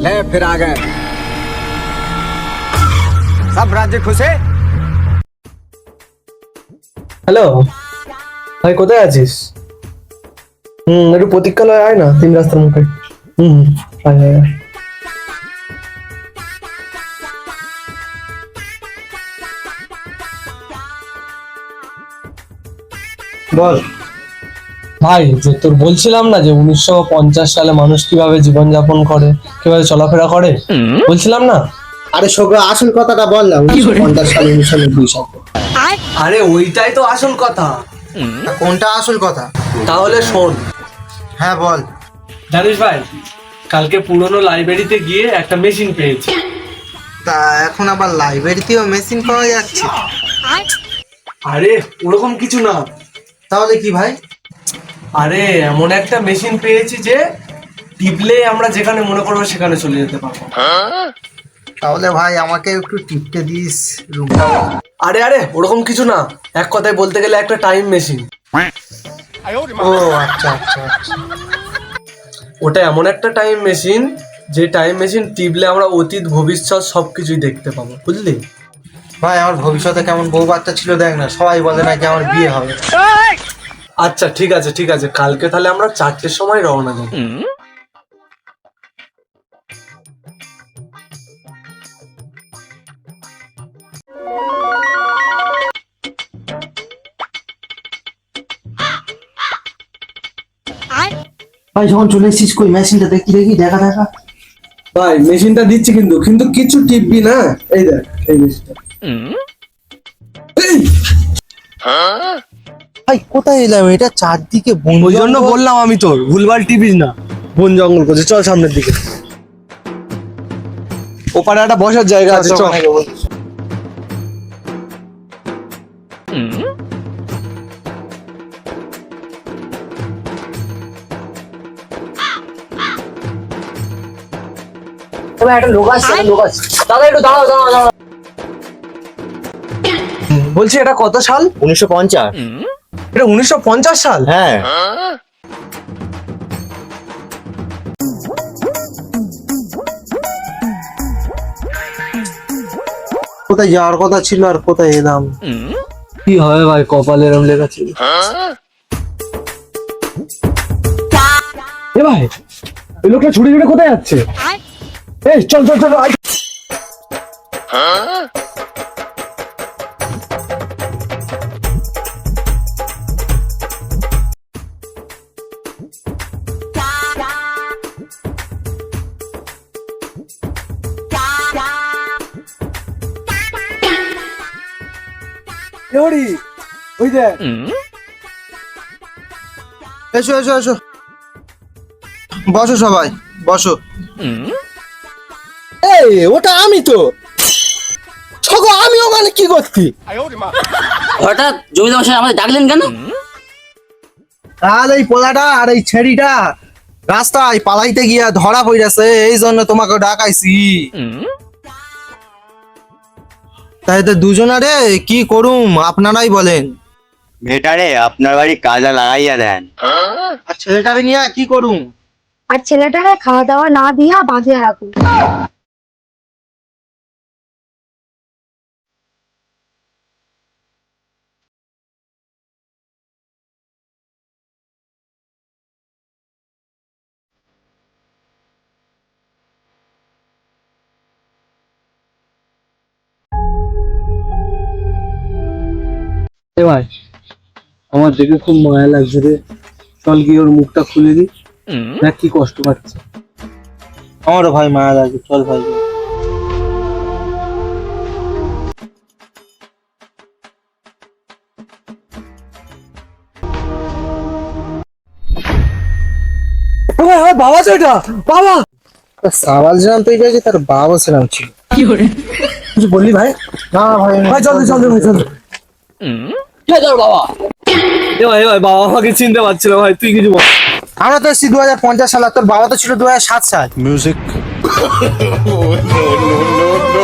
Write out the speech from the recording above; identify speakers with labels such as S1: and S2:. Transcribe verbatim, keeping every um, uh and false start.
S1: ले फिर आ गए सब राज्य खुश है।
S2: হ্যালো ভাই, কোথায় আছিস? হুম একটু প্রতীক্ষালয় আয় না, তিন রাস্তার মুখে। হুম হুম আয় আয় আয়। বল ভাই, যে তোর বলছিলাম না যে উনিশশো পঞ্চাশ সালে মানুষ কিভাবে জীবনযাপন করে, কিভাবে চলাফেরা করে, বলছিলাম না?
S3: আরে সোগা, আসল কথাটা বল না। উনিশশো পঞ্চাশ সালে উনিশশো নব্বই সাল।
S2: আরে ওইটাই তো আসল কথা।
S3: কোনটা আসল কথা?
S2: তাহলে শোন।
S3: হ্যাঁ বল।
S2: জানিস ভাই, কালকে পুরনো লাইব্রেরিতে গিয়ে একটা মেশিন পেয়েছি।
S3: তা এখন আবার লাইব্রেরিতেও মেশিন পাওয়া যাচ্ছে?
S2: আরে ওরকম কিছু না।
S3: তাহলে কি ভাই?
S2: আরে এমন একটা মেশিন পেয়েছি যে টিপলে আমরা যেখানে মনে করবো সেখানে চলে যেতে পারবো।
S3: তাহলে ভাই আমাকে একটু টিপতে দিস রুমটা।
S2: আরে আরে ওরকম কিছু না, এক কথায় বলতে গেলে একটা টাইম মেশিন।
S3: ও আচ্ছা আচ্ছা আচ্ছা।
S2: ওটা এমন একটা টাইম মেশিন যে টাইম মেশিন টিপলে আমরা অতীত ভবিষ্যৎ সবকিছুই দেখতে পাবো, বুঝলি?
S3: ভাই আমার ভবিষ্যতে কেমন বউ বাচ্চা ছিল দেখ না, সবাই বলে নাকি আমার বিয়ে হবে।
S2: আচ্ছা ঠিক আছে ঠিক আছে, কালকে তাহলে আমরা চারটের সময় রওনা দেব।
S3: ভাই যখন চলে এসেছিস, কই মেশিনটা দেখি দেখি দেখা দেখা।
S2: ভাই মেশিনটা দিচ্ছি কিন্তু কিন্তু কিছু টিপবি না। এই দেখ এই মেশিনটা।
S3: ভাই কোথায় এলাম? এটা চারদিকে বন
S2: ওই জন্য
S3: জঙ্গল।
S2: বললাম আমি তোর ভুলভাল টিপিস না, বন জঙ্গল করছে। চল সামনের দিকে, ওপারে একটা বসার জায়গা আছে, চল।
S3: একটা লোক আসছে, একটা লোক আসছে। দাদা একটু দাঁড়াও দাঁড়াও দাঁড়াও।
S2: বলছি এটা কত সাল?
S4: উনিশশো পঞ্চাশ।
S2: এটা উনিশশো পঞ্চাশ সাল?
S4: হ্যাঁ।
S3: কোথায় যাওয়ার কথা ছিল আর কোথায় এলাম?
S2: কি হবে ভাই, কপালে এরম লেখা ছিল। এ ভাই, এই লোকটা ছুটে ছুটে কোথায় যাচ্ছে? এই চল চল চল আয়। ওই দেখ।
S3: এসো এসো এসো, বসো সবাই বসো।
S2: এই ওটা আমি তো। ছগো আমি ওখানে কি করছি?
S5: হঠাৎ জমিদার মশাই আমাদের ডাকলেন কেন?
S3: আর এই পোলাটা আর এই ছেড়িটা রাস্তায় পালাইতে গিয়া ধরা পড়েছে, এই জন্য তোমাকে ডাকাইছি। তাই তো দুজনারে কি করুম আপনারাই বলেন।
S4: ভেটারে আপনার বাড়ি কাজে লাগাইয়া দেন।
S3: আর ছেলেটারে নিয়ে কি করুম?
S6: আর ছেলেটারে খাওয়া দাওয়া না দিয়া বাঁধিয়ে রাখুন।
S2: এ ভাই, আমার দেখে খুব মায়া লাগছে রে। চল গিয়ে ওর মুখটা খুলে দি, দেখ কি কষ্ট পাচ্ছে।
S3: আমারও ভাই মায়া লাগে, চল ভাই।
S2: বাবা তো এটা বাবা।
S3: সাবাল ছিলাম তুই পেয়েছি, তার বাবা ছিলাম ছিল। কিছু বললি ভাই? না ভাই
S2: ভাই চল চল ভাই চল।
S5: বাবা
S2: এ ভাই ভাই, বাবা আমাকে চিনতে পারছিল ভাই, তুই কিছু বল।
S3: আমরা তো এসেছি দু হাজার পঞ্চাশ সাল, তোর বাবা তো ছিল দু হাজার সাত সাল।
S1: म्यूजिक